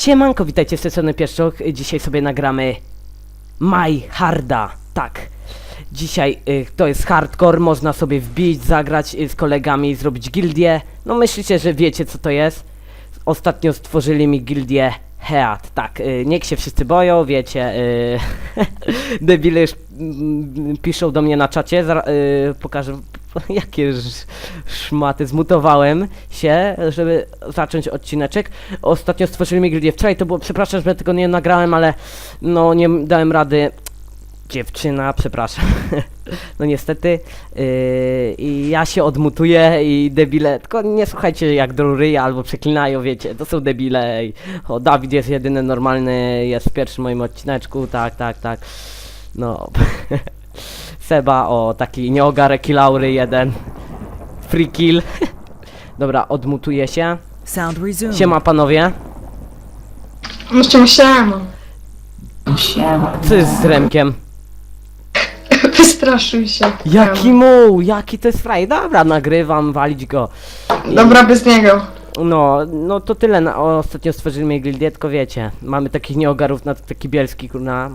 Siemanko, witajcie w sesji Pieszczok. Dzisiaj sobie nagramy My Harda. Tak. Dzisiaj to jest hardcore, można sobie wbić, zagrać z kolegami, zrobić gildię. No myślicie, że wiecie co to jest? Ostatnio stworzyli mi gildię Heat. Tak, niech się wszyscy boją, wiecie. Debile już piszą do mnie na czacie. Pokażę jakie szmaty. Zmutowałem się, żeby zacząć odcineczek. Ostatnio stworzyli mi gildię. Wczoraj to było, przepraszam, że tego nie nagrałem, ale no nie dałem rady. Dziewczyna, przepraszam. No niestety. I ja się odmutuję i debile. Tylko nie słuchajcie jak do ryja albo przeklinają, wiecie. To są debile. O, Dawid jest jedyny normalny, jest w pierwszym moim odcineczku. Tak. No. Seba, o, taki nieogarek kilaury jeden. Free kill. Dobra, odmutuję się. Siema panowie. No siema. Co jest z Remkiem? Wystraszył się. Jaki muł, jaki to jest fraj. Dobra, nagrywam, walić go. Dobra, bez niego. No to tyle. Ostatnio stworzyliśmy gildię, tylko wiecie. Mamy takich nieogarów na taki bielski, kurna.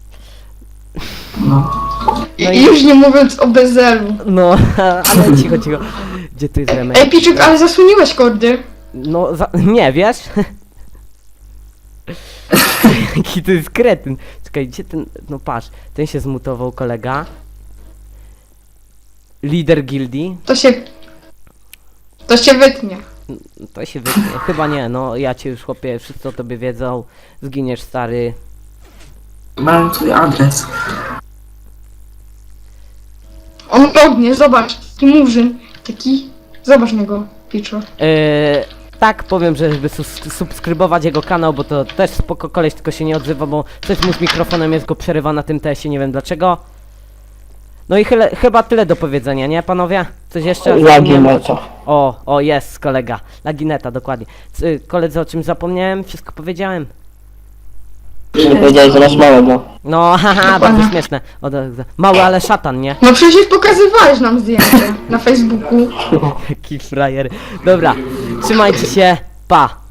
I już nie mówiąc o bezelu. No, ale cicho. Gdzie tu jest Remek? Ej, Piczuk, ale zasłoniłeś kordy. No, nie, wiesz? Jaki to jest kretyn. Czekaj, gdzie ten... No patrz, ten się zmutował, kolega. Lider gildii. To się wytnie. To się wytnie. Chyba nie, no ja cię już chłopie, wszyscy o tobie wiedzą. Zginiesz, stary. Mam twój adres. On ognie, zobacz. Taki murzyn. Taki... Zobacz na go, Piczur. Tak, powiem, że żeby subskrybować jego kanał, bo to też spoko koleś, tylko się nie odzywa, bo coś mu z mikrofonem jest go przerywa na tym tesie, nie wiem dlaczego. No i chyba tyle do powiedzenia, nie panowie? Coś jeszcze? Lagineta. O, jest kolega. Lagineta, dokładnie. Koledzy, o czym zapomniałem? Wszystko powiedziałem. Nie powiedziałeś, że masz małego. No, haha, bardzo śmieszne. Mały, ale szatan, nie? No przecież pokazywałeś nam zdjęcie na Facebooku. Jaki frajer. Dobra, trzymajcie się, pa!